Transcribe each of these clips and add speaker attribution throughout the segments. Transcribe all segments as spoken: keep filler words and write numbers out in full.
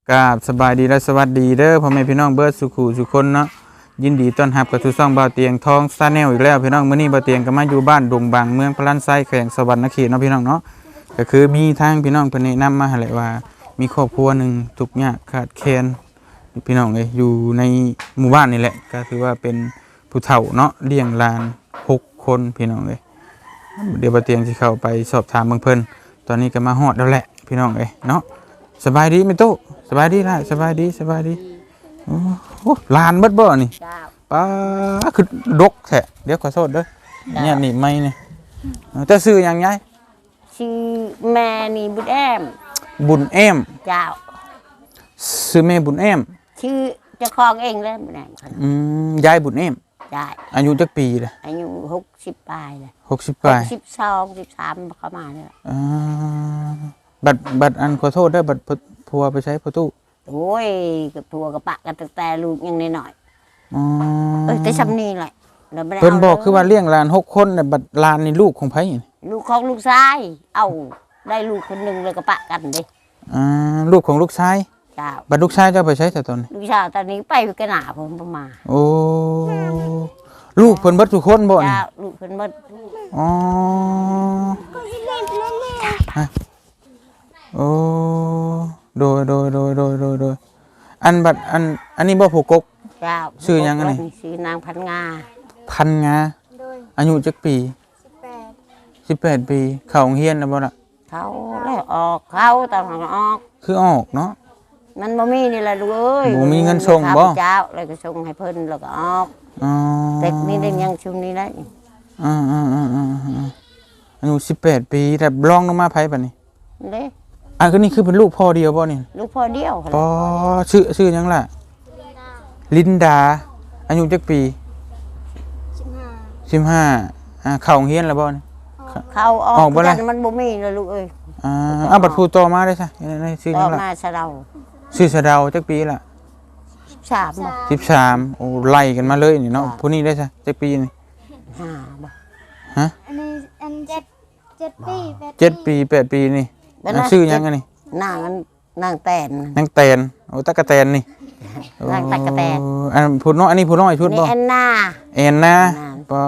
Speaker 1: กราบสบายดีและสวัสดีเด้อพ่อแม่พี่น้องเบิร์ดสุขุสุคนเนาะยินดีต้อนรับกับทุกช่องบ่าวเตียงทองซาแนลอีกแล้วพี่น้องมื้อนี้บ่าวเตียงก็มาอยู่บ้านดงบางเมืองพระลันไซแขวงสวรรณเขตเนาะพี่น้องเนาะก็คือมีทางพี่น้องเพิ่นแนะนำมาให้แหละว่ามีครอบครัวหนึงทุกข์ยากขาดแคลนพี่น้องเอ้ยอยู่ในหมู่บ้านนี่แหละก็คือว่าเป็นผู้เฒ่าเนาะเลี้ยงหลานหกคนพี่น้องเอ้ยเดี๋ยวบ่าวเตียงสิเข้าไปสอบถามเบิ่งเพิ่นตอนนี้ก็มาฮอดแล้วแหละพี่น้องเอ้ยเนาะสบายดีไหมตู้สบายดีล่ะสบายดีสบายดีโอ้โหลานเบิดบ่นี่ป้าคือดกแท้เดี๋ยวขอโทษเด้อเนี่ยนี่ไม่เนี่ยจะซื้อหยังไง
Speaker 2: ชื่อแม่นี่บุญแอม
Speaker 1: บุญแอม
Speaker 2: เจ้า
Speaker 1: ซื้อแม่บุญแอม
Speaker 2: ชื่อเจ้าของเองเลยบุญแอม
Speaker 1: อืมยายบุญแอม
Speaker 2: ได้
Speaker 1: อายุจักปีล่ะ
Speaker 2: อายุหกสิบปลายเลย
Speaker 1: หกสิบปลาย
Speaker 2: สิบสองสิบสามเข้ามาเนี่ย
Speaker 1: อ่าบัตรบัตรอันขอโทษได้บัตรพัวไปใช้ประตู
Speaker 2: โอ้ยกับพัวกับปะกับแต่ลูกยังน้อย
Speaker 1: อ๋อ
Speaker 2: เออแต่ชำนี่แหละ
Speaker 1: เพิ่นบอกคือว่าเลี้ยงหลานหกคนเนี่ยบัตรหลานนี่ลูกของไผ
Speaker 2: ลูกของลูกชายเอาได้ลูกคนหนึ่งเลยกับปะกันดิ
Speaker 1: อ่าลูกของลูกชาย
Speaker 2: เจ้า
Speaker 1: บัตรลูกชายเจ้าไปใช้แต่ตอน
Speaker 2: ลูกชายตอนนี้ไปกระหน่าผมประมาณ
Speaker 1: โอ้ลูกเพิ่นเบิดทุกคนบ่นี่
Speaker 2: ลูกเพิ่นเบิด
Speaker 1: อ๋อโอ้โดยโดยโดยโดยโดยโดยอันบัดอันอันนี้บ่ผูกก
Speaker 2: เจ้า
Speaker 1: ชื่อยังไง
Speaker 2: ชื่อนางพันงา
Speaker 1: พันงาอายุจักปีสิบแปดสิบแปดปีเข้าโรงเรียนแล้วบ่ล่ะ
Speaker 2: เขาแล้วออกเขาตอนออก
Speaker 1: คือออกเนาะ
Speaker 2: มันบ่มีนี่แหละลูกเอ้ย
Speaker 1: บ่มีเงินส่งบ่
Speaker 2: เจ้าเลยก็ส่งให้เพิ่นแล้วก็ออก
Speaker 1: อ๋อ
Speaker 2: แต่นี่ได้ยังชุมนี้ได้
Speaker 1: อ่าๆๆๆอายุสิบแปดปีแต่รองลงมาไผบัดนี้
Speaker 2: เด้
Speaker 1: อ่ะก็นี่คือเป็นลูกพ่อเดียวบ่นี่
Speaker 2: ลูกพ่อเดียว
Speaker 1: อ๋อชื่อชื่อหยังล่ะลินดาอายุจักปีสิบห้าสิบห้าอ่าเข้าโรงเรียนแล้วบ่นี่
Speaker 2: เข้าออกกันมันบ่มีเลยลูกเอ้ย
Speaker 1: อ่าเอาบัดผู้โตมาได้ซะในชื่อหยังล่ะ
Speaker 2: ต่อมาสะเดา
Speaker 1: ชื่อสะเดาจักปีล่ะ
Speaker 2: สิบสามบ่
Speaker 1: สิบสามโอ้ไล่กันมาเลยนี่เนาะผู้นี้ได้ซะจักปีนี่
Speaker 2: ห้าบ่
Speaker 1: ฮะ
Speaker 3: อันนี้อันเจ็ดเจ็ดปีแปด
Speaker 1: เจ็ดปีแปดปีนี่ชื่อหยังอันนี้
Speaker 2: นางนางแตน
Speaker 1: นางแตนโอ้ตะกะแตนนี่
Speaker 2: นางตะกะแตน
Speaker 1: อันผู้น้อยอันนี้ผู้น้อยชุดบ่
Speaker 2: แอนนา
Speaker 1: แอนนาปอ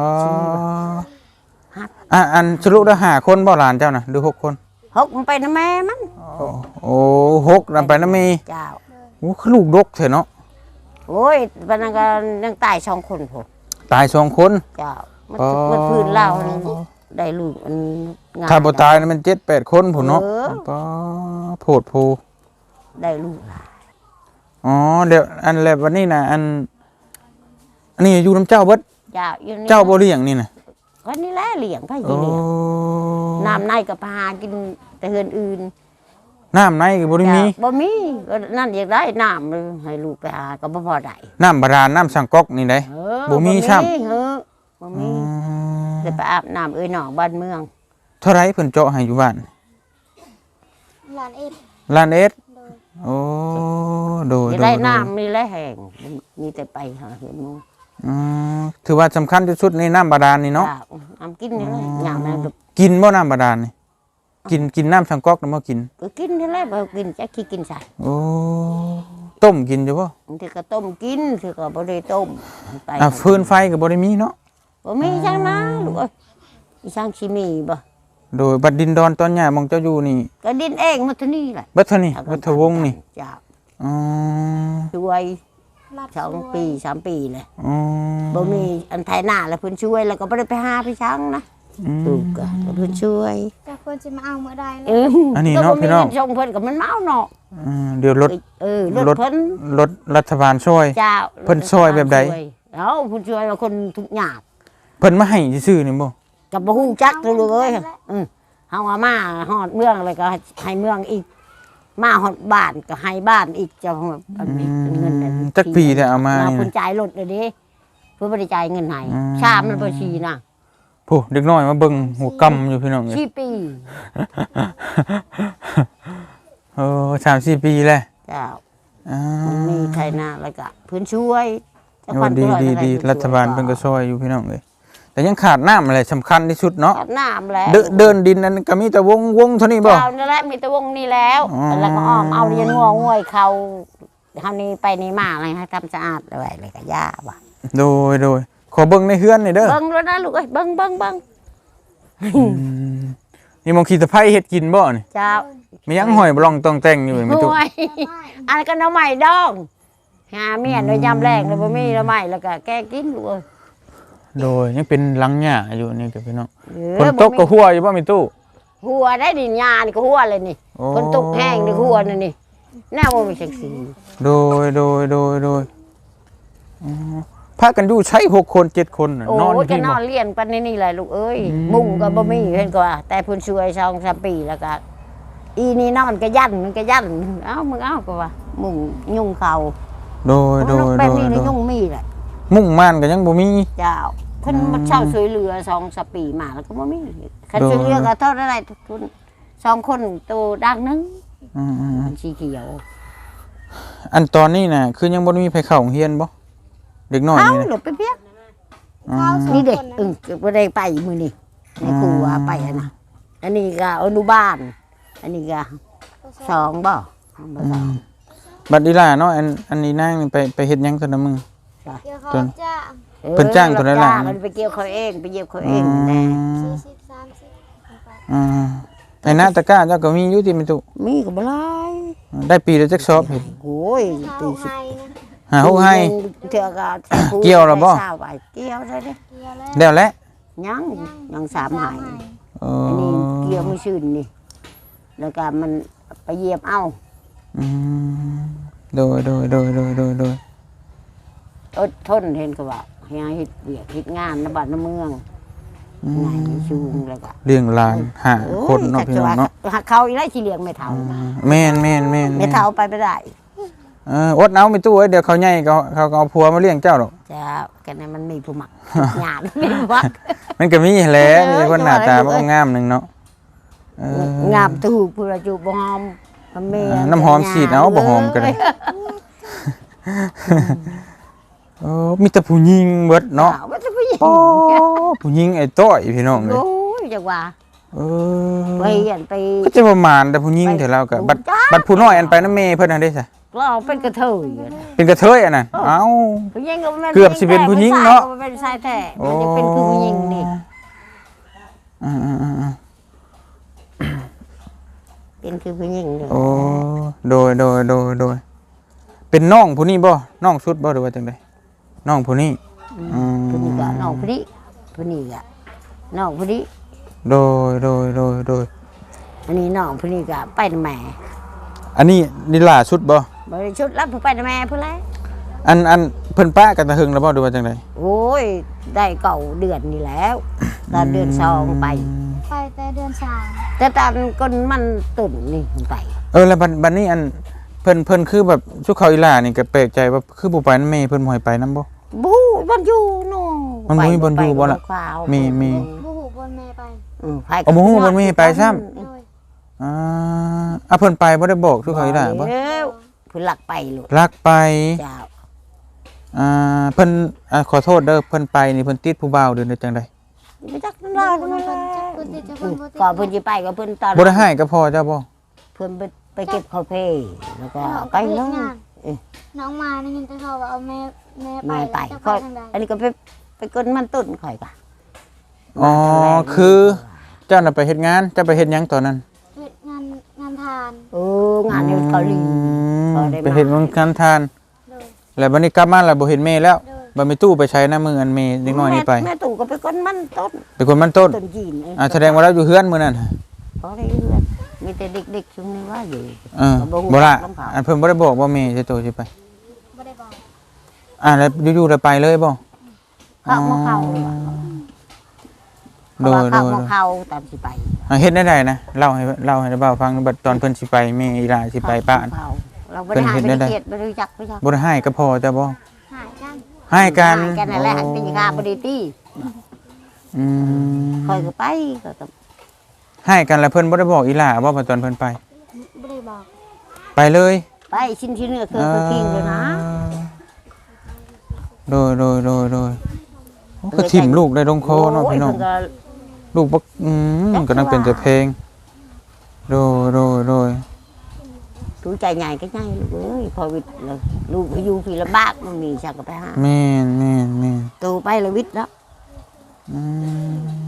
Speaker 1: อ่ะอันสรุปได้ห้าคนบ่หลานเจ้าน่ะหรือหกคน
Speaker 2: หกมันไปนะแม่มัน
Speaker 1: โอ้หกนำไปนะมี
Speaker 2: เจ้า
Speaker 1: โอ้คือลูกดกเถอะเนาะ
Speaker 2: โอ้ยปานนั้นก็ยังตายสองคนพุ่น
Speaker 1: ตายสองคน
Speaker 2: เจ้ามันมันพื้นเล่าได้ลูกอัน
Speaker 1: งามถ้าบ่ตายมันเจ็ด แปดคนพุ่นเนาะปอโพดโพ
Speaker 2: ได้ลูกหลาย
Speaker 1: อ๋อเดี๋ยวอันแล้ววันนี้น่ะอันอันนี้อยู่นำเจ้าเบิด
Speaker 2: เจ้าอยู่
Speaker 1: เจ้าบ่เลี้ยงนี่น่ะ
Speaker 2: ก็นี่แหละเลี้ยงไผสิเลี้ยงน้ำในก็พากินแต่เฮือนอื่น
Speaker 1: น้ำในก็บ่ได้มี
Speaker 2: บ่มีก็นั่นอยากได้น้ำให้ลูกไปหาก็บ่พอได้
Speaker 1: น้ำบาดาลน้ำสังก๊อกนี่ได้บ่มีซ้ํ
Speaker 2: เออบ่มีจะไปอาบน้ำเอ้ยหนองบ้านเมือง
Speaker 1: เท่าไรเพิ่นเจาะให้อยู่บ้าน
Speaker 3: ล้านเอ็ด
Speaker 1: ล้านเอ็ดโอ้โดย
Speaker 2: ได้น้ำมีและแห้งมีแต่ไปหาเห็นหมู่
Speaker 1: อือถือว่าสำคัญที่สุดในน้ำบาดาลนี่เนาะ
Speaker 2: น้ำกินนี่แหละยามนั้น
Speaker 1: กินบ่น้ำบาดาลนี่กินกินน้ำสังก๊อกน่ะบ่กิน
Speaker 2: ก็กินนี่แหละบ่กินจักขี้กินใส่
Speaker 1: โอ้ต้มกินอยู่บ่
Speaker 2: บางทีก็ต้มกินคือก็บ่ได้ต้ม
Speaker 1: ไปอ่ะฟืนไฟก็บ่ได้มีเนาะ
Speaker 2: บ่มีจังนะลูกเอ้ยอีช่างสิมีบ่
Speaker 1: โดยบัดดินดอนตอนหญ้ามองเจ้าอยู่นี่
Speaker 2: ก็ดินเองมาเท่านี้แหละ
Speaker 1: บัดเท่านี้บัดทวงนี่
Speaker 2: จ้า
Speaker 1: อ๋อ
Speaker 2: ช่วยสองปีสามปีเลย
Speaker 1: อ๋อ
Speaker 2: บ่มีอันไทยหน้าแล้วเพิ่นช่วยแล้วก็บ่ได้ไปหาพี่ช้างนะถูกก็เพิ่นช่วย
Speaker 3: แต่เพิ่นสิมาเอาเมื่อใด
Speaker 1: แล้วอันนี้เนาะพี่น้อง
Speaker 2: ส่งเพิ่นก็มันมาเอาเนาะ
Speaker 1: อือเดี๋ยวรถ
Speaker 2: เออรถเพิ่น
Speaker 1: รถรัฐบาลช่วย
Speaker 2: จ้า
Speaker 1: เพิ่นช่วยแบบใด
Speaker 2: เอ้าเพิ่นช่วยว่าคนทุกข์ยาก
Speaker 1: เพิ่นมาให้ซื่อๆนี่บ่
Speaker 2: ก็บ่ฮู้จักลูกเอ้ยอือเฮาว่ามาฮอดเมืองแล้วก็ให้เมืองอีกมาฮอดบ้านก็ให้บ้านอีกจะอันนี้เงินนั่น
Speaker 1: จักปีแต่เอามา
Speaker 2: เพิ่นจ่ายรถเลยเด้เพิ่นบ่ได้จ่ายเงินให้ชามมันบ่ชีนะ
Speaker 1: โอ้เด็กน้อยมาเบิ่งหัวกำอยู่พี่น้อง
Speaker 2: สี่ปี
Speaker 1: โอ้สามสี่ปีแล้ว
Speaker 2: เจ้าอ่ามีไทยนาแล้วก็เพิ่นช่วย
Speaker 1: ดีดีดีรัฐบาลเพิ่นก็ช่วยอยู่พี่น้องเอ้ยแต่ยังขาดน้ำอะไรสำคัญที่สุดเนาะ
Speaker 2: อาบน้ำแล้ว
Speaker 1: เดินเดินดินนั้นก็มีแต่วงวงเท่านี้บ่
Speaker 2: เจ้านั่นแหละมีแต่วงนี้แล้ว
Speaker 1: อ๋อ
Speaker 2: แล้วก็อ้อมเอาเรียนงัวง่วยเขาเฮานี่ไปนี่มาอะไรให้ทำสะอาดอะไรอะไรก็ย่าว่ะ
Speaker 1: โดยโดยขอเบิ่งในเฮือนหน่อยเด้อ
Speaker 2: เบิ่งแล้วนะลูกเอ้ยเบิ่งเบิ่งเบิ่ง
Speaker 1: อืมนี่มองขี้ตะไคร้เฮ็ดกินบ่นี่
Speaker 2: เจ้า
Speaker 1: มียังหอยบ่ลองต้องแต่งอยู่ไม่ตุ
Speaker 2: ห่วยอันก็น้ำใหม่ดองหาเมียนโดยยามแรงแล้วบ่มีน้ำใหม่แล้วก็แกกินลูกเอ้ย
Speaker 1: โดยยังเป็นหลังหญ้าอยู่นี่กับพี่น้อง
Speaker 2: เออ
Speaker 1: ฝนตกก็หัวอยู่บ่มีตู้
Speaker 2: หัวได้ดินยานี่ก็หัวเลยนี่
Speaker 1: โอ้
Speaker 2: ฝนตกแห้งนี่หัวนี่นี่แน่ว่ามีจังซี่
Speaker 1: โดยโดยโดยโดยอ๋อพากันอยู่ใช้หกคนเจ็ดคนน่ะ
Speaker 2: โอ้
Speaker 1: นอน
Speaker 2: ย
Speaker 1: อยู่
Speaker 2: จะ
Speaker 1: ที่
Speaker 2: น
Speaker 1: บ่
Speaker 2: อนเลี้ยงปานนี่แหละลูกเอ้ย
Speaker 1: อืม
Speaker 2: มุ้งก็บ่มีเห็นก็ว่าแต่เพิ่นช่วยสองสามปีแล้วก็อีนี่นอนก็ยันมันก็ยันเอ้ามึงเอ้าก็ว่ามุ้งยุงเขา
Speaker 1: โดยโดย
Speaker 2: แบ
Speaker 1: โด
Speaker 2: บ
Speaker 1: ย
Speaker 2: นี้
Speaker 1: โด
Speaker 2: นี่
Speaker 1: ย
Speaker 2: ยุงมีแหละ
Speaker 1: มุ่งม่านก็ยังบ่มี
Speaker 2: เจ้าเพิ่นมาเช่าช่วยเหลือสองสามปีมาแล้วก็บ่มีคันช่วยเหลือก็เท่าไรทุนสองคนตัวดังหนึง
Speaker 1: อืม
Speaker 2: มันสีเขียว
Speaker 1: ๆอันตอนนี้น่ะคือยังบ่ได้มีไผเข้าโรงเรียนบ่เด็กน้อย
Speaker 2: เอ้า
Speaker 1: นี่
Speaker 2: หล
Speaker 1: นะ
Speaker 2: บไปเพียก
Speaker 3: ข้าวสอง
Speaker 2: นี่เด็ก
Speaker 3: คน
Speaker 2: อึ้งบ่ได้ไปมื้อนี้ในครัวไปอะนะอันนี้ก็อนุบาลอันนี้ก็สองบ่บ่สอง
Speaker 1: บัดนี้ล่ะเนาะอันอันนี้นางนี่ไปไปเฮ็ดหยังซั่นน่ะมึง
Speaker 3: เกี่ยวเขา
Speaker 1: จน
Speaker 3: จ้าง
Speaker 2: ออ
Speaker 1: เพิ่นจ้างตัวนั้นล่ะ
Speaker 2: รับจ้างมันไปเกี่ยวเขาเองไปเยี่ยมเขาเองแน่
Speaker 3: สี่สิบสามสิบไป
Speaker 1: อ่าไอ้หน้าตะกร้าเจ้าก็มีอยู่ที่มีตุ
Speaker 2: มีก็บ่หลาย
Speaker 1: ได้ปีละจักซอบเห็น
Speaker 2: โอ้ย
Speaker 3: ข้า
Speaker 2: ตี
Speaker 3: ว
Speaker 2: สิบ
Speaker 3: ไห้นะ
Speaker 1: หาฮู้ให้
Speaker 2: เถื่อก็แท้ผู้
Speaker 1: เกี่ยวแล้วบ่
Speaker 2: ได้เศร้าไปเกี่ยวได้เด้
Speaker 3: เกี่ยวแล้ว
Speaker 1: แล้วแหละ
Speaker 2: ยังยังสามหาย
Speaker 1: เอ
Speaker 2: อันนี้
Speaker 1: อ
Speaker 2: เกี่ยวไม่ชื่นนี่แล้วก็มันไปเหยียบเอา
Speaker 1: อืมโดยโดยโดยโดยโดยโดย
Speaker 2: อดทนเห็นก็ว่าให้เฮ็ดเวียกเฮ็ดงานในบ้านในเมือง
Speaker 1: อื
Speaker 2: ไง
Speaker 1: ม
Speaker 2: ชูงแล้วก็
Speaker 1: เลี้ยงหลานหาคนเนาะพี่น้องเนาะ
Speaker 2: หักเขาอีกแล้วสิเลี้ยงไม่เท่า
Speaker 1: อืมแม่นแม่นแม่น
Speaker 2: ไม่
Speaker 1: แม่น
Speaker 2: เท่าไปไม่ได้
Speaker 1: เอออดเอาไม่ตู้เอ้ยเดี๋ยวเขาใหญ่เขาเขาก็เอาผัวมาเลี้ยงเจ้าดอก
Speaker 2: จะกันนั้นมันมีผู้หมักหยาดมีผู้หมัก
Speaker 1: มันก็มีแหละ
Speaker 2: เออ
Speaker 1: มีคนหน้าตา
Speaker 2: เออ
Speaker 1: บ่งามหนึงเนาะเออง
Speaker 2: ามตูผู้ระจุบ่หอมมันเม
Speaker 1: อ่าน้ำหอมฉีดเอาบ่หอมก็ได้ โอ้มีแต่ผู้หญิงเบิดเนาะ
Speaker 2: ว่าจะผู้หญิง
Speaker 1: โอ้ผู้หญิงไอ้ต้อยพี่น้องเลย
Speaker 2: โอ้ยจังว่า
Speaker 1: เอ
Speaker 2: ไป
Speaker 1: อ
Speaker 2: อันไป
Speaker 1: ก็จะประมาณแต่ผู้หญิงเถอะเราก็บัดบัดผู้น้อยอันไปน้ำเมย์เพิ่นน่ะได้ซะ
Speaker 2: เราเป็นกระเทยอะนะ
Speaker 1: เป็นกระเทยอ่ะน่ะเอ้า
Speaker 2: ผู้หญิงก็มัน
Speaker 1: เกือบสิเป็นผู้หญิงเนาะ
Speaker 2: ผู้ชยก็เป็นชายแท้มันจะเป็นคือผู้หญิงนี่
Speaker 1: อ่าๆ
Speaker 2: เป็นคือผู้หญิงนี่
Speaker 1: ๆโอ้โดยโดยโดยโดยเป็นน้องผู้นี้บ่น้องสุดบ่หรือว่าจังไดน้องผู้นี้อืม
Speaker 2: ผู้นี้ก็น้องผู้นี้ผู้นี้ก็น้องผู้นี้
Speaker 1: โดยโดยโดยโดย
Speaker 2: อันนี้น้องผู้นี้ก็ไปนำแม่
Speaker 1: อันนี้นี่ล่าสุดบ่
Speaker 2: บริชุดรับผู้ไปนำแม่เพื่อแล้ว
Speaker 1: อันอันเพิ่นป้ากันตะหึงแล้วบ่หรือว่าจังได
Speaker 2: โอ้ยได้เก่าเดือนนี่แล้วตอนเดือนสองไป
Speaker 3: ไปแต่เดือนสาม
Speaker 2: แต่ตอนก้นมันตุ่นนี่ไป
Speaker 1: เออแล้วบัดบัดนี้อันเพิ่นเพิ่นคือแบบชุกเขาอีหล่านี่ก็แปลกใจว่าคือบ่ไปนำแม่เพิ่นบ่ให้ไปนำบ่
Speaker 2: บูบอนอยู่โน่
Speaker 1: มันบ่มีบ่อนอยู่บ่ล่ะ
Speaker 2: ไปข่าว
Speaker 1: มีมี
Speaker 3: บูหูบนเมย์ไป
Speaker 2: อืมไป
Speaker 1: เอาบ่ฮู้มันมีไปซ้ำ
Speaker 3: โดย
Speaker 1: อ่าอ่ะเพิ่นไปบ่ได้บอกชุกเขาอีหล่าบ่
Speaker 2: เอ้าเพิ่นหลักไปลูก
Speaker 1: รักไป
Speaker 2: เจ้า
Speaker 1: อ่าเพิ่นอ่าขอโทษเด้อเพิ่นไปนี่เพิ่นติดผู้บ่าวเด้อในจังได
Speaker 2: ไปจักน้ำลายตรงนั้นแหละ
Speaker 3: คนติดจะคนบ่ติด
Speaker 2: ก่อนเพิ่นสิไปก็เพิ่นตอน
Speaker 1: บ่ได้ให้ก็พอเจ้าบ่
Speaker 2: เพิ่นไปไปเก็บข้าวเพแล้วก็
Speaker 3: น้อง
Speaker 2: ไป
Speaker 3: ไป
Speaker 2: เล
Speaker 3: เฮ็ด
Speaker 2: ย
Speaker 3: งานน้องมานี่ยินแต่เขาว่าเอาแม่แม่ไป
Speaker 2: แม่ไป
Speaker 3: จะไป
Speaker 2: ค่อย
Speaker 3: ทางใด
Speaker 2: อันนี้ก็ไปไปก้นมันตุ่นข่อยก็
Speaker 1: อ๋อคือเจ้าน่ะไปเฮ็ดงานเจ้าไปเฮ็ดหยังตอนนั้น
Speaker 3: เฮ็ดงานงานทาน
Speaker 2: เอองานในเกาหลี
Speaker 1: อืม
Speaker 2: พอได้มา
Speaker 1: ไปเฮ็ดงานทาน
Speaker 3: โดย
Speaker 1: แล้วบัดนี้กลับมาแล้วบ่เห็นแม่แล้ว
Speaker 3: โดย
Speaker 1: บ่มีตู้ไปใช้น้ำมืออันแม่เด็กน้อยนี่ไป
Speaker 2: แม่ตู่ก็ไปก้นมันต้น
Speaker 1: เป็นคนมันต้น
Speaker 2: ต้นจีนเ
Speaker 1: อ่าแสดงว่าเราอยู่เฮือนมื้อนั้น
Speaker 2: พอได้เรื่อยมีแต่เด็กๆช่วงนี้ว่าอยู่
Speaker 1: เออ
Speaker 2: บ่ฮู้
Speaker 1: บ่ล่ะ
Speaker 2: ลำบาก
Speaker 1: อันเพิ่นบ่ได้บอกว่าแม่สิโตสิไป
Speaker 3: บ่ได้บอก
Speaker 1: อ่าแล้วอยู่ๆแล้วไปเลยบ่
Speaker 2: เข้ามาเข้า
Speaker 1: โดย
Speaker 2: เข้า
Speaker 1: โดย
Speaker 2: มาเข้าตามสิไป
Speaker 1: อ่าเฮ็ดได้ได้นะเล่าให้เล่าให้เบาฟังบัดตอนเพิ่นสิไปแม่อีหลาสิไปป้าน
Speaker 2: เข้าเราบ่ได้หา
Speaker 1: เพิ่นเฮ็
Speaker 2: ไม่
Speaker 1: ดได้
Speaker 2: ได้เกลียดบ่ได้รู้จักบ่รู้จัก
Speaker 1: บ่ได้ให้ก็พอจ้ะบ่
Speaker 3: หายกัน
Speaker 1: ให้กัน
Speaker 2: หากันนั่นแหละหันเป็นค่าบ่ได้ตี
Speaker 1: อืม
Speaker 2: คอยก็ไปก็ต้อง
Speaker 1: ให้กันแล้วเพิ่นบ่ได้บอกอีหล่าบ่ว่าตอนเพิ่นไป
Speaker 3: บ่ได้บอก
Speaker 1: ไปเลย
Speaker 2: ไปชิ้นที่เนื้อคือคือกินเลยนะ
Speaker 1: โดยโดยโดยโดยโอ้ก็ทิ่มลูกได้ลงคอเนาะพี่น้อง
Speaker 2: โยเพิ่ก็
Speaker 1: ลูกบักอืมก็นั่งเป็นแต่เพลงโดยโดยโดย
Speaker 2: รู้ใจใหญ่ก็ใหญ่ลูกเอ้ยพอวิทย์แล้วลูกไปอยู่พี่ลำบากมันมีชักก็ไปหา
Speaker 1: แม่นแม่นแม่น
Speaker 2: โตไปแล้ววิทย์แล้ว
Speaker 1: อืม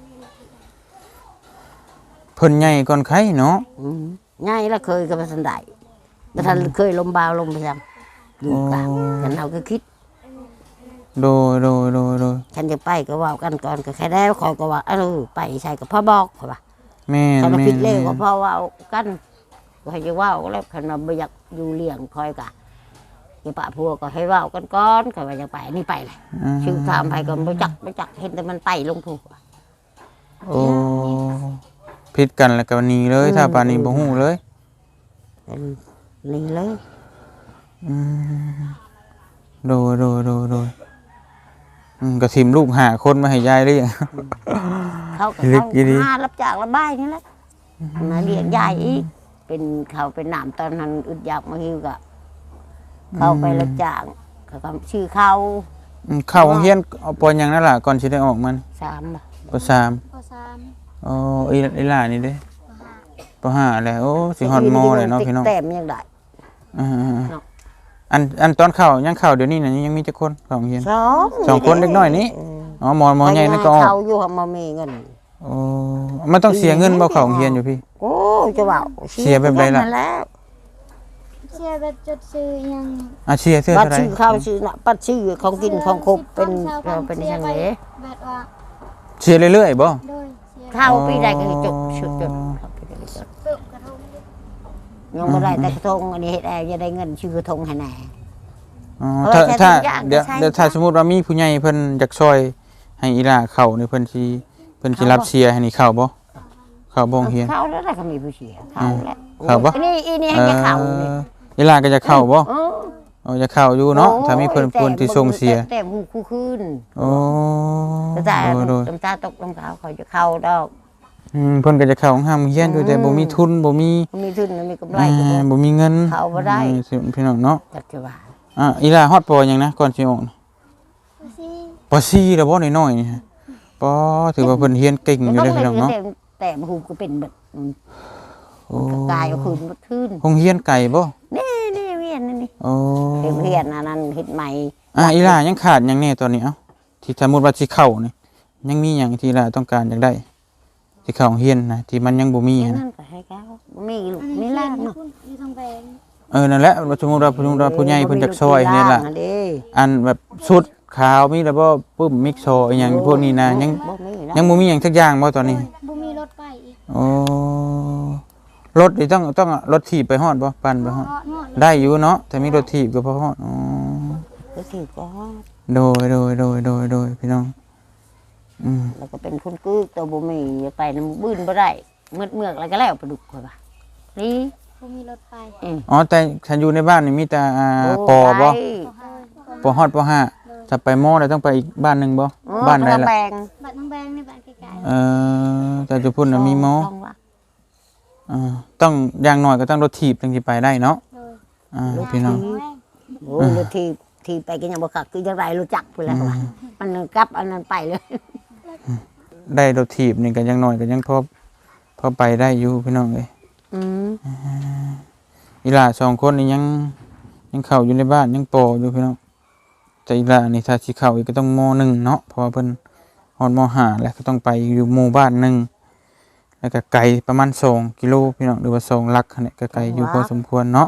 Speaker 1: เพิ่นใหญ่ก่อนใครเนาะ
Speaker 2: อืมง่ายแล้วเคยกับทันได้แต่ทันเคยลมบาวลมไปยังอยู่กลางฉันเอาก็คิด
Speaker 1: โดยโดยโดยโดย
Speaker 2: ฉันจะไปก็ว่ากันก่อนก็แค่ได้คอยก็ว่าเออไปใช่กับพ่อบอกเขาว่า
Speaker 1: แม่น
Speaker 2: ฉัน
Speaker 1: แม่
Speaker 2: คิด
Speaker 1: น
Speaker 2: เล
Speaker 1: แม่
Speaker 2: ย
Speaker 1: น
Speaker 2: ว่าพ่อว่ากันก็ให้จะว่าแล้วขนมไม่อยากอยู่เลี้ยงคอยกะอย่าปะพัวก็ให้ว่ากันก่อนก็ว่าจะไปนี่ไปเลย
Speaker 1: อ่า
Speaker 2: ชื่อถามไปก็ไม่จักไม่จักเห็นแต่มันไต่ลงผูก
Speaker 1: โอ้ผิดกันแล้วก็หนีเลยถ้าปานนี้บ่ฮู้เลย
Speaker 2: เป็นนี่เลย
Speaker 1: อืมโดยโดยโดยโดยอืมก็ทิมลูกหาคนมาให้ยายเลี้ยง
Speaker 2: เขาก็
Speaker 1: ลึ
Speaker 2: เขา
Speaker 1: กอีหลี
Speaker 2: หารับจากระบายนี่แหละมาเลี้ยงยายอีกเป็นเขาเป็นหนามตอนนั้นอึดอยากมาหิวกะเขาไปรับจ้างเขาก็ชื่อเขา
Speaker 1: อืมเข้าโรงเรียนเอาปอนหยังนั่นล่ะก่อนสิได้ออกมัน
Speaker 2: สามบ่
Speaker 1: ปสาม
Speaker 3: ปสาม
Speaker 1: อ๋ออีอีหล่านี่เด้
Speaker 3: ปห้า
Speaker 1: ปห้าแล้วโอ้สิฮอดมแล้วเนาะพี่น้อง
Speaker 2: แต้มยังได้
Speaker 1: อ่า
Speaker 2: เนาะ
Speaker 1: ๆอันอันตอนเข้ายังเข้าเดี๋ยวนี้น่ะยังมีจักคนเข้าโรงเรียน
Speaker 2: สอง
Speaker 1: สองคนเล็กน้อยนี่ อ๋อหมอหมอใหญ่นั่นก็ออก
Speaker 2: เขาอยู่มามีเงิน
Speaker 1: โอ้มันต้องเสียเงินบ่เข้าโรงเรียนอยู่พี่
Speaker 2: โอ้จะว่า
Speaker 1: เสียแบบใดล่ะ
Speaker 2: นั่นแล้ว
Speaker 3: เชียร์แบบจดซื้อยัง
Speaker 1: อาเชียเสื้อ
Speaker 2: บัต
Speaker 1: เท่าร ไหร่
Speaker 2: ชื่อข้าวชื่อน่ะปัดชื่อของกินของครบเป็นเราเป็นยังไง
Speaker 3: แบบว่า
Speaker 1: เชียเรื่อยๆบ่
Speaker 3: โดยเชียร์
Speaker 2: ข้าวปีใดก็จบชุดจดเข้าปีใดก็จบ
Speaker 3: เปิดกระทง
Speaker 2: ยังไม่ได้แต่กระทงอันนี้เฮ็ดแอร์จะได้เงินชื่อกระทงให้แน่
Speaker 1: อ๋อ
Speaker 2: เออ
Speaker 1: ถ้า
Speaker 2: ใช้
Speaker 1: ถ้า
Speaker 2: ทุกอย่าง
Speaker 1: เดี๋ยว
Speaker 2: ใช้
Speaker 1: เดี๋ยวถ้าสมมุติว่ามีผู้ใหญ่เพิ่นอยากช่วยให้อีหล่าเข้านี่เพิ่นสิเพิ่นสิรับเชียร์ให้นี่เข้าบ่เข้าบ่โรงเรียน
Speaker 2: เข้าแล้วได้ก็มีผู้เสียเข้าแล้ว
Speaker 1: เข้าปะ
Speaker 2: อันนี้อันนี้ให้จะเข้านี่
Speaker 1: อีหล่าก็จะเข้าบ่
Speaker 2: เออ
Speaker 1: อ๋อจะเข้าอยู่เนาะถ้ามีเพิ่นเพิ่นที่ส่งเสีย
Speaker 2: แต่หูคู่คืน
Speaker 1: โอ้
Speaker 2: แต่
Speaker 1: โดยโดย
Speaker 2: น้ำตาตกน้ำตาเขาจะเข้าดอก
Speaker 1: อืมเพิ่นก็จะเข้าห้ามเรียนอยู่แต่บ่มีทุนบ่มี
Speaker 2: มีทุนมีกำไร
Speaker 1: อ่า
Speaker 2: ก็บ่
Speaker 1: บ่มีเงิน
Speaker 2: เข้าบ่ได้
Speaker 1: อืมสิพี่น้องเนาะ
Speaker 2: จักจะว่า
Speaker 1: อ่ะอีหล่าฮอดปอหยังนะก่อนสิออก
Speaker 3: ซี
Speaker 1: ปอสี่แล้วบ่น้อยๆนี่ฮะปอถือว่าเพิ่นเรียนเก่งอยู่เด้อพี่น้องเนาะ
Speaker 2: แต่แต่หูก็เป็นแบบ
Speaker 1: โอ้
Speaker 2: กายก็คืนบ่ทื่น
Speaker 1: โรงเรียนไก่บ่
Speaker 2: นี่นี่เวียนนี่นี่
Speaker 1: โอ้
Speaker 2: เฮ็ดเวียนอันนั้นเฮ็ดใหม่
Speaker 1: อ่ะอีหล่ายังขาดหยังแน่ตอนนี้เอ้าที่สมมุติว่าสิเข้านี่ยังมีหยังที่อีหล่าต้องการอยากได้สิเข้าโรงเรียนนะที่มันยังบ่มี
Speaker 2: อัน
Speaker 1: นะ
Speaker 2: นั้นก็ให้เขาบ่มีลูก
Speaker 3: อัน
Speaker 2: มี
Speaker 3: นี้
Speaker 2: ห
Speaker 3: เล่
Speaker 2: ลาน
Speaker 3: น
Speaker 2: เนาะ
Speaker 3: อยู่ทางแบง
Speaker 1: เออนั่นแหละว่าสมมุติว่าผู้ว่าผู้ใหญ่เพิ่นจักซอยนี่ล่ะ
Speaker 2: อันนี้
Speaker 1: อันแบบชุดขาวมีแล้วบ่ปึ้มมิกโซอีหยังพวกนี้นะยัง
Speaker 2: บ่มีนะ
Speaker 1: ยังบ่มีหยังสักอย่างบ่ตอนนี้
Speaker 3: บ่มีรถไปอีก
Speaker 1: โอ้รถนี่ต้องต้องรถถีบไปฮอดบ่ปั่นไปฮอด
Speaker 3: ฮอดฮอด
Speaker 1: ได้อยู่เนาะแต่มีรถถีบก็พอฮอดอ๋อ
Speaker 2: ก็ถือก็
Speaker 1: โดยโดยโดยโดยโดยพี่น้องอืม
Speaker 2: แล้วก็เป็นคนกึกตัวบ่มีไปนำบื้นบ่ได้มืดเมือกแล้วก็แล้วปลาดุกข่อยว่านี่
Speaker 3: บ่มีรถไป
Speaker 2: อืม
Speaker 1: อ๋อแต่ฉันอยู่ในบ้านนี่มีแต่อ่า
Speaker 2: โ
Speaker 1: ปอบ่
Speaker 2: ไป
Speaker 3: ก็ฮอด
Speaker 1: ปอฮอดปอห้าถ้าไปมอแล้วต้องไปอีกบ้านหนึงบ่
Speaker 2: เออ
Speaker 1: บ้านใด
Speaker 2: กระ
Speaker 1: ล่ะ
Speaker 2: แปง
Speaker 3: บัดทางแบงนี่บัดไกล
Speaker 1: เอ่อแต่จุพุ่นน่ะมีมอ
Speaker 2: ต้องว่า
Speaker 1: อ่าต้องอย่างน้อยก็ต้องรถถีบถึงสิไปได้เนาะ
Speaker 3: ๆโดย
Speaker 1: อ่าพี่น้อง
Speaker 2: โอ้รถทีทีไปก็ยังบ่คักคือจังไรรู้จักพุ่นแล้วว่ามันกลับอันนั้นไปเลย
Speaker 1: ได้รถถีบนี่ก็ยังน้อยก็ยังพอพอไปได้อยู่พี่น้องเอ้ย
Speaker 2: อืม
Speaker 1: อีหล่าสองคนนี่ยังยังเข้าอยู่ในบ้านยังโปอยู่พี่น้องแต่อีหล่านี่ถ้าสิเข้าอีกก็ต้องมหนึ่งเนาะเพราะว่าเพิ่นฮอดมห้าแล้วก็ต้องไปอยู่หมู่บ้านหนึงแล้วก็ไกลประมาณสองกิโลพี่น้องหรือว่าสองลักหั่นแหละก็ไกลอยู่พอสมควรเนาะ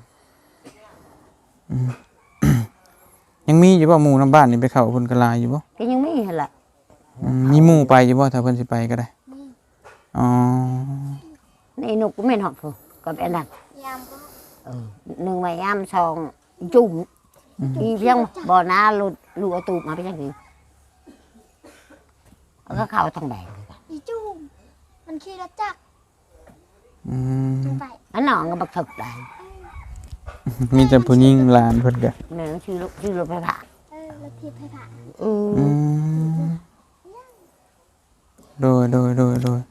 Speaker 2: อืม
Speaker 1: ยังมีอยู่บ่หมู่นํบ้านนี่ไปเข้าเพิ่นก็หลายอยู่บ่
Speaker 2: ก็ยังมีหั่นล่ะ
Speaker 1: อืมมีหมู่ไปอยู่บ่ถ้าเพิ่นสิไปก็ได้อ๋อ
Speaker 2: นี่นกก็แม่นฮอดพุ่นก็เป็นนั่น
Speaker 3: ยามก็
Speaker 2: เออหนึ่งไม้ยามสองจุ่มอีเพียงบ่อน้าลุดลูกเอาตูบมาไปจังซี่แล้วก็เข้าทางแบง
Speaker 3: อีจุ้มมันขี่รถจักร
Speaker 1: อืม
Speaker 3: ไป
Speaker 2: อันน้องก็บักถึกได้
Speaker 1: มีแต่ผู้หญิงหลานเพิ่นก็
Speaker 2: แม่ชื่อลูกชื่อรถไฟฟ้า
Speaker 3: เออรถทิพย์ให้ผ่าน
Speaker 2: เออ
Speaker 1: อืมโดยโดยโดยโดย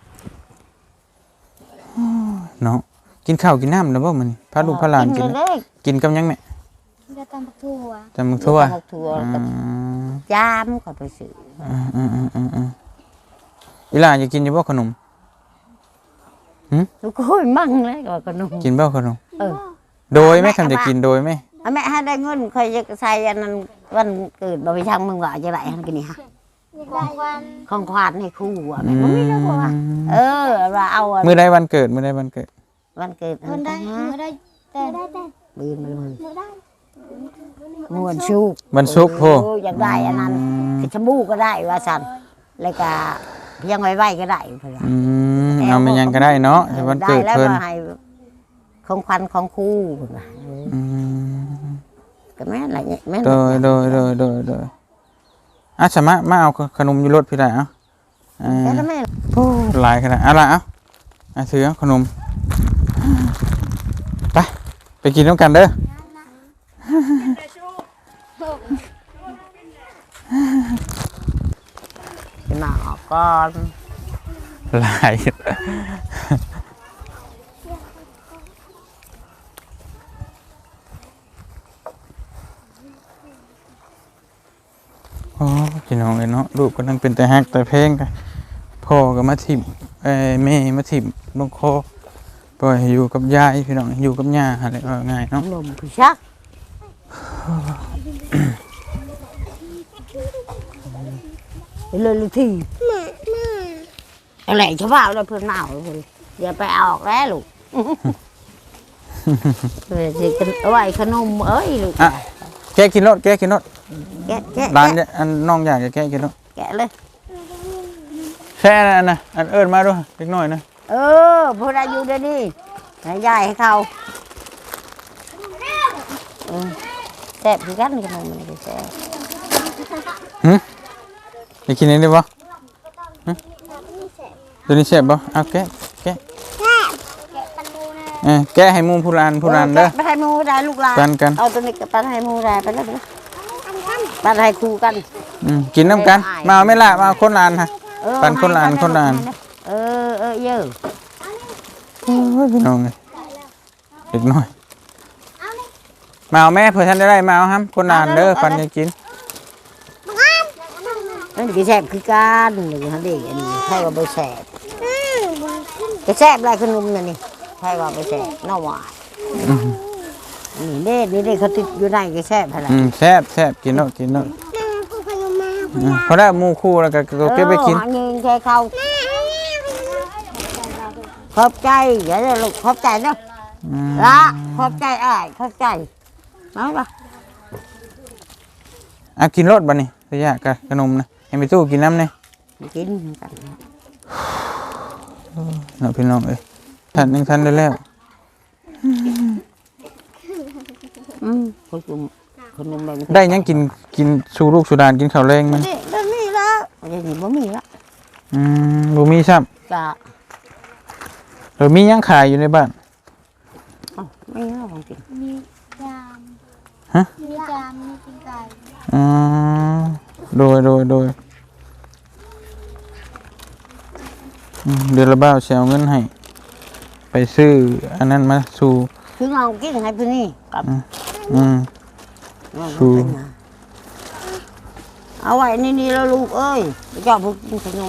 Speaker 1: เนาะกินข้าวกินน้ำแล้วบ่มื้อนี้พาลูกพาหลานกิน
Speaker 2: เลย
Speaker 1: กินกับหยังแม่
Speaker 3: จะตำบักถั่ว
Speaker 1: จำมึกทั่ว
Speaker 2: บักทั่ว
Speaker 1: อื
Speaker 2: กับ
Speaker 1: ม
Speaker 2: จามก็ไปซื้อ
Speaker 1: อืมอืมอืมอืมอืมอีหลานจะกินอยู่บ่ขนม
Speaker 2: ลูกโอ้ยมั่งเลยก็ขนม
Speaker 1: กินบ่ขนม
Speaker 2: เออ
Speaker 1: โดยไหมคำจะกินโดยไหม
Speaker 2: เอาแม่ให้ได้เงินคอยจะใส่อันนั้นวันเกิดบ่ไปช่างมึงว่าจะไรหันกินนี่ฮะ
Speaker 3: ของวัน
Speaker 2: ของควานให้ครู่อ่ะ
Speaker 1: อื
Speaker 2: แม่บ่มีแล้วบ่ว่าเออว่าเอาอะ
Speaker 1: มื้อใดวันเกิดมื้อใดวันเกิด
Speaker 2: วันเกิดอั
Speaker 3: มัน
Speaker 2: น
Speaker 3: ได้
Speaker 2: ฮะ
Speaker 3: มือได้แต่ได้แต่
Speaker 2: บืนมาเลย
Speaker 3: มือได้
Speaker 2: มวนชุก
Speaker 1: วันศุกร์โพ
Speaker 2: เอออยากได้อันนั้นคือชะบูก็ได้ว่าซั่นแล้วก็เพียงไว้ๆก็ได้เพิ่นว่า
Speaker 1: อืมเอามันยังก็ได้เนาะแต่วันเกิด
Speaker 2: ได้แล้ว
Speaker 1: เพิ่น
Speaker 2: ว่าให้ของขวัญของครู่เพิ่นว่าเออ
Speaker 1: อืม
Speaker 2: ก็แม่นล่ะเนี่ยแม่น
Speaker 1: โดยโดยโดยโดยโดยอ่ะสมะมาเอาขนมอยู่รถพี่ได้เอ้าอ่
Speaker 2: แต่
Speaker 1: า
Speaker 2: ถ้าแม่
Speaker 1: โอ้หลายขนาดอะไรเอ้าอ่ะถือเอาขนมไปไปกินน้ำกันเด้อ
Speaker 2: จะมาออกก่อน
Speaker 1: หลายโอ้พี่น้องเอ้ยเนาะลูกก็นั่งเป็นแต่ฮักแต่เพลงกันพ่อก็มาถิ่มเอ้ยแม่มาถิ่มลงคอปล่อยให้อยู่กับยายพี่น้องอยู่กับย่าอะไรว่าง่ายเนาะ
Speaker 2: นมคือชักเลยลูกที่อะไรชาวบ้านเลยเพื่อนเมาเลยเดี๋ยวไปเอาออกแล้วลูกเดี๋ยวสิกันเอาไว้ขนมเอ้ยลูก
Speaker 1: อ่ะแกะกินรถแกะกินรถ
Speaker 2: แกะแกะ
Speaker 1: ร้าน
Speaker 2: แกะ
Speaker 1: เนี่ยอันน้องอยากจะแกะกินรถ
Speaker 2: แกะเลย
Speaker 1: แช่อันนะอันเอิญมาด้วยเล็กน้อยนะ
Speaker 2: เออพวกเราอยู่เดี๋ยวนี้ให้ยายให้เขาเออแซ่บคือกันขนมมันก็แซ่บ
Speaker 1: หึอยากกินอันนี้ปะหึตัวนี้แซ่บปะเอาแกะแกะ
Speaker 3: แกะปันดูนะ
Speaker 1: เออแกะให้หมุมผู้รานผู้รานเด้อ
Speaker 2: ไปให้หมูได้ลูกหลาน
Speaker 1: กันกัน
Speaker 2: เอาตัวนี้กับปันให้หมูได้ไปแล้วปันให้ครูกัน
Speaker 1: อืมกินน้ำกันมาเอาไม่ละมาเอาคนรานฮะ
Speaker 2: เออ
Speaker 1: ปันคนละอันคนละอัน
Speaker 2: เออเออเยอะ
Speaker 1: โอ้ยพี่น้องเลยเล็กน้อยมาเอาแม่เผื่อท่านได้ได้มาเอาครับคนรานเด้อปันจะกิน
Speaker 2: นั่นคือแซ่บคือกันนี่ฮะเด็กอันนี้ใช่ว่าบ่แซ่บก็แซ่บหลายขนมนั่นนี่ใช่ว่าบ่แซ่บน้อหวานนี่เด้นี่เด้เขาติดอยู่ในก็แซ่บหั่นล่ะ
Speaker 1: อืมแซ่บแซ่บกินเนาะกินเนาะอืมพอได้หมูคู่แล้วก็ก็เก็บไปกิน
Speaker 2: เออหาเงินใช้เขาขอบใจเดี๋ยวลูกขอบใจเนาะ
Speaker 1: อืม
Speaker 2: ละขอบใจอ้ายขอบใจมาบ่
Speaker 1: อ่ะกินรสบ่นี่ระยะกับขนมนะให้ไปตู้กินน้ำเนี่ย
Speaker 2: กินกัน
Speaker 1: เนาะพี่น้องเอ้ยทันยังทันได้แล้ว
Speaker 2: อืมขนมขนมแบบ
Speaker 1: ได้ยังกินกินสู่ลูกสู่ดานกินข้าวแรงมัน
Speaker 2: นี่ได้นี่ละเดี๋ยวนี้บ่มีละ
Speaker 1: อืมบ่มีซ้
Speaker 2: จ้ะ
Speaker 1: ำหรือมียังขายอยู่ในบ้าน
Speaker 2: เอ้าไม่ละของจริง
Speaker 3: มีจาม
Speaker 1: ฮะ
Speaker 3: มีจามมีกินไก่
Speaker 1: อ๋อโดยโดยโดยอืมเดือนละบ้าวสิเอาเงินให้ไปซื้ออันนั้นมาสู่
Speaker 2: คือเอากินให้เพิ่นนี่กับ
Speaker 1: อืม สู้
Speaker 2: เอาไว้นี่นี่แล้วลูกเอ้ยเจ้าพวกกินขนม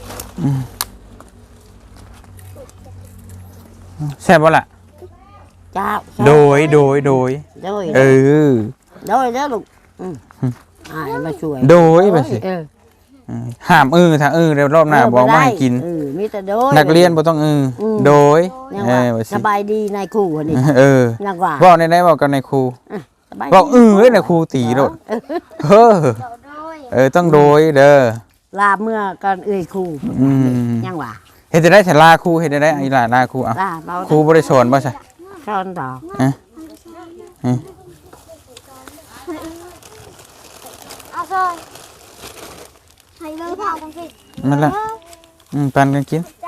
Speaker 1: แซ่บบ่ล่ะ
Speaker 2: จ้า
Speaker 1: โดยโดยโดย
Speaker 2: โดย
Speaker 1: เออ
Speaker 2: โดยเด้อลูกอืมอ่ามาช่วย
Speaker 1: โดยไปสิ
Speaker 2: เออ
Speaker 1: อืมห้ามเออถ้าเออเดี๋ยวรอบหน้าบอกมาให้กิน
Speaker 2: เออมีแต่โดย
Speaker 1: นักเรียนบ่ต้องเอออ
Speaker 2: ม
Speaker 1: โดย
Speaker 2: ยัง
Speaker 1: เอ
Speaker 2: ว่า
Speaker 1: อว่า
Speaker 2: ส
Speaker 1: สิ
Speaker 2: บายดีนายครูคนนี้
Speaker 1: เออ
Speaker 2: ยังว่า
Speaker 1: บอกในไหนบอกกันในครู
Speaker 2: สบาย
Speaker 1: บอก
Speaker 2: ดี
Speaker 1: เออเอ้ยในครูตีโลดเออ
Speaker 3: เดี๋ยวด้วย
Speaker 1: เออต้องโดยเด้อ
Speaker 2: ลาเมื่อก่อนเอ้ยครู
Speaker 1: อืม
Speaker 2: ยังว่า
Speaker 1: เฮ็ดจะได้แต่ลาครูเฮ็ดจะได้อีหลาลาครูเอา
Speaker 2: ลาเรา
Speaker 1: ครูบ่ได้สอนบ่ใช่
Speaker 2: สอนต่อ
Speaker 3: เอาซอยให้เลยพ่อกันสิ
Speaker 1: นั่นแหละอืมปันกันกิน
Speaker 3: ใจ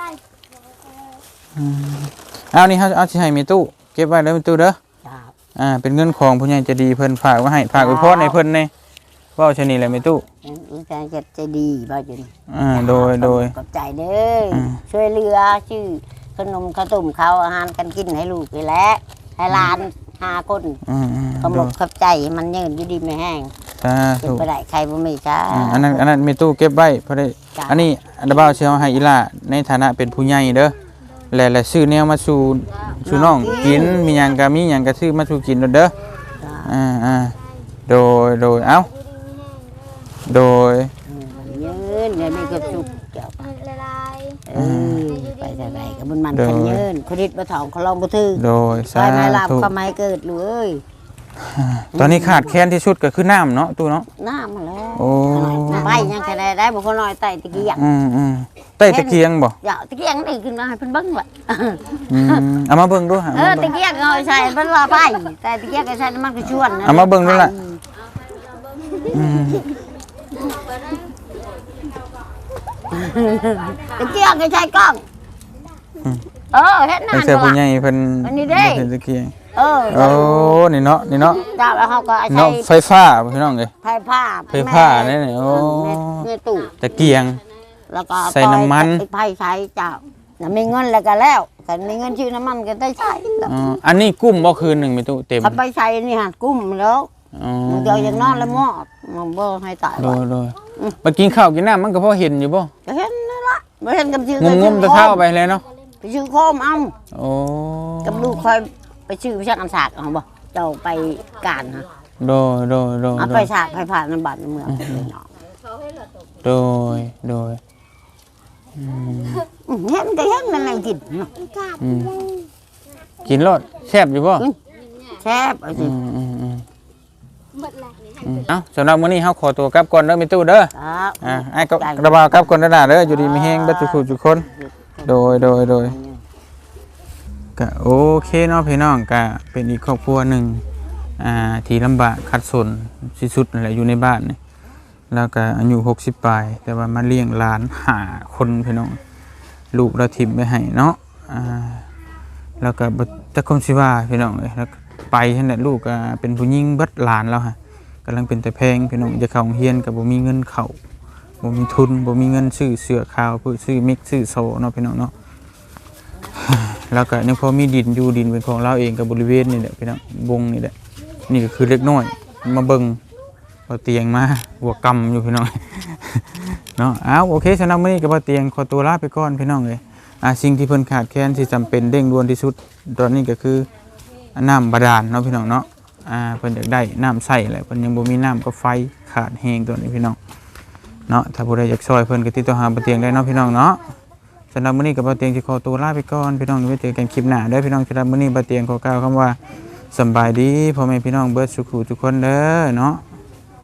Speaker 1: เอานี่เฮาเอาสิให้มีตู้เก็บไว้เด้อมีตู้เด้อ
Speaker 2: จ้า
Speaker 1: อ่าเป็นเงินของผู้ใหญ่ใจะดีเพิ่นฝากไว้ให้ฝากไว้พรให้เพิ่นแน่เว้าชะนี้แหละมีตู้
Speaker 2: ใจจะใจดีบ่จุน
Speaker 1: อ่าโดยโดย
Speaker 2: ขอบใจเด้ออ
Speaker 1: ม
Speaker 2: ช่วยเหลือชื่อขนมข้าวต้มข้าวอาหารกันกินให้ลูกนี่แหละให้หลานหาคน
Speaker 1: อืมอืม
Speaker 2: ขอบ
Speaker 1: โด
Speaker 2: ก
Speaker 1: ย
Speaker 2: ขอบใจมันยืนอยู่ดีไม่แห้ง
Speaker 1: สา
Speaker 2: เป็น
Speaker 1: ธุ
Speaker 2: ไปได้ใครบ่มีจ้า
Speaker 1: อ่าอันนั้นอันนั้นมีตู้เก็บไว้เพราะได้
Speaker 2: จ้ะ
Speaker 1: อันนี้อันดับเบ้าเชียวให้อีหล่าในฐานะเป็นผู้ใหญ่เด้อและและซื้อแนวมาสู่สู่น้องกินมีหยังก็มีหยังก็ซื้อมาสู่กินเด้อเด้อ
Speaker 2: จ้า
Speaker 1: อ่าอ่าโดยโดยเอ้าโดย
Speaker 2: ยืนเดี๋ยวนี้ก็สุกเจ้า
Speaker 3: ละลาย
Speaker 2: เออไปแต่ไหนก็มันมันกันยืนคนดิดบ่ถองเขาลองบ่ถือ
Speaker 1: โดย
Speaker 2: ไป
Speaker 1: สา
Speaker 2: ไม้ลาบ
Speaker 1: ธุ
Speaker 2: ก็ไม้เกิดเลย
Speaker 1: ตอนนี้ขาดแคลนที่สุดก็คือน้ำเนาะตู้เนาะ
Speaker 2: น้ำมาแล้ว
Speaker 1: โอ้
Speaker 2: ไปยังแค่ได้บ่คนน้อยไต่ตะกี้อย่าง
Speaker 1: อืมอืมใต้ตะเกียงบ่
Speaker 2: อย่าตะกี้อย่างนี่ขึ้นมาให้เพิ่นเบิ่งว่ะ
Speaker 1: อืมเอามาเบิ่งดูฮะ
Speaker 2: เออตะกี้เอาใส่เพิ่นว่าไปแต่ตะกี้ก็ใส่น้ำมันก็ชวนนะ
Speaker 1: เอามาเบิ่งดูล่ะอืม
Speaker 2: ตะกี้ก็ใช้กล้องเออเฮ็ด
Speaker 1: ไม่
Speaker 2: นาน
Speaker 1: ใช่ผู้ให
Speaker 2: ว่ะ
Speaker 1: ญ่เพิ่น
Speaker 2: อันนี้เด้
Speaker 1: บ่ใช่ตะเกียง
Speaker 2: เออ
Speaker 1: โอ้นี่เนาะนี่เนาะ
Speaker 2: จ้าแล้วเขาก็ใช้
Speaker 1: เนาะไฟฟ้าพี่น้องเอ้ย
Speaker 2: ไฟผ้า
Speaker 1: ไฟผ้าเนี่ยนี่โอ้
Speaker 2: ในตู้
Speaker 1: ตะเกียง
Speaker 2: แล้วก็
Speaker 1: ใส่น้ำมัน
Speaker 2: ไฟใช้เจ้าน่ะมีเงินแล้วก็แล้วกันมีเงินชื่อน้ำมันก็ได้ใช้แล้ว
Speaker 1: อ๋ออันนี้กุ้มบ่คืนหนึงมีตู้เต็ม
Speaker 2: ถ้าไปใช้นี่ฮะกุ้มแล้ว
Speaker 1: อ๋อ
Speaker 2: มันจะอย่างนอนแล้วหมอดมันบ่ให้ตาย
Speaker 1: โด
Speaker 2: ว่ะ
Speaker 1: ยโดยไปกินข้าวกินน้ำมันก็พอเห็นอยู่บ่
Speaker 2: ก็เห็นนั่นละบ่เห็นกับชื่อง
Speaker 1: มงมๆตะเท่าไปเลยเนาะ
Speaker 2: ไปชื่อโคมเอา
Speaker 1: โอ้
Speaker 2: กับลูกคอยไปชื่อไปชักอันสากเอาบ่เจ้าไปการฮะ
Speaker 1: โดยโดยโดย
Speaker 2: เอา
Speaker 1: โด
Speaker 2: ไป
Speaker 1: ย
Speaker 2: ฉากไปผ่านในบ้านในเมืองไปเนาะ
Speaker 1: โดยโดย
Speaker 2: อืมเห็นก็เห็นนั่นแหละกินเนาะ
Speaker 1: อืมกินรสแซ่บอยู่บ่
Speaker 2: แซ่บเอาสิ
Speaker 1: อืมอืมอืม
Speaker 3: หมดละ
Speaker 1: อืมเอ้าสำหรับมื้อนี้เฮาขอตัวกลับก่อนเด้อมีตู้เด้อ
Speaker 2: ครับ
Speaker 1: อ่าไอ้ก็ระบาวกลับก่อนเด้อล่ะเด้ออยู่ดีมีแฮงเบัดทุกผู้ทุกคน โดยโดยโดยก็โอเคเนาะพี่น้องก็เป็นอีกครอบครัวหนึ่งอ่าที่ลำบากขัดสนที่สุดนั่นแหละอยู่ในบ้านนี่แล้วก็อายุหกสิบปลายแต่ว่ามาเลี้ยงหลานหาคนพี่น้องลูกเราทิมไปให้เนาะอ่าแล้วก็บ่จักคมสิว่าพี่น้องเอ้ยแล้วก็ไปนั่นแหละลูกก็เป็นผู้หญิงเบิดหลานแล้วฮะกำลังเป็นแต่แพงพี่น้องจะเข้าโรงเรียนก็บ่มีเงินเข้าบ่มีทุนบ่มีเงินซื้อเสื้อขาวเพื่อซื้อมิกซื้อโซเนาะพี่น้องเนาะ แล้วก็ยังพอมีดินอยู่ดินเป็นของเราเองกับบริเวณนี่แหละพี่น้องวงนี่แหละนี่ก็คือเล็กน้อยมาเบิ่งเอาเตียงมาหัวกำอยู่พี่น้อง เนาะอ้าวโอเคสำหรับมื้อนี้ก็บ่เตียงขอตัวลาไปก่อนพี่น้องเอ้ยอ่าสิ่งที่เพิ่นขาดแคลนที่จำเป็นเร่งด่วนที่สุดตอนนี้ก็คือน้ำบาดาลเนาะพี่น้องเนาะอ่าเพิ่นอยากได้น้ำใช้แหละเพิ่นยังบ่มีน้ำก็ไฟขาดแฮงตัวนี้พี่น้องเนาะถ้าผู้ใดอยากช่วยเพิ่นก็ติดต่อหาบ่เตียงได้เนาะพี่น้องเนาะ สำหรับมื้อนี้กับบ่เตียงสิขอตัวลาไปก่อนพี่น้องไว้เจอกันคลิปหน้าเด้อพี่น้องสำหรับมื้อนี้บ่เตียงขอกล่าวคำว่าสำบายดีพ่อแม่พี่น้องเบิดสุขทุกคนเด้อเนาะ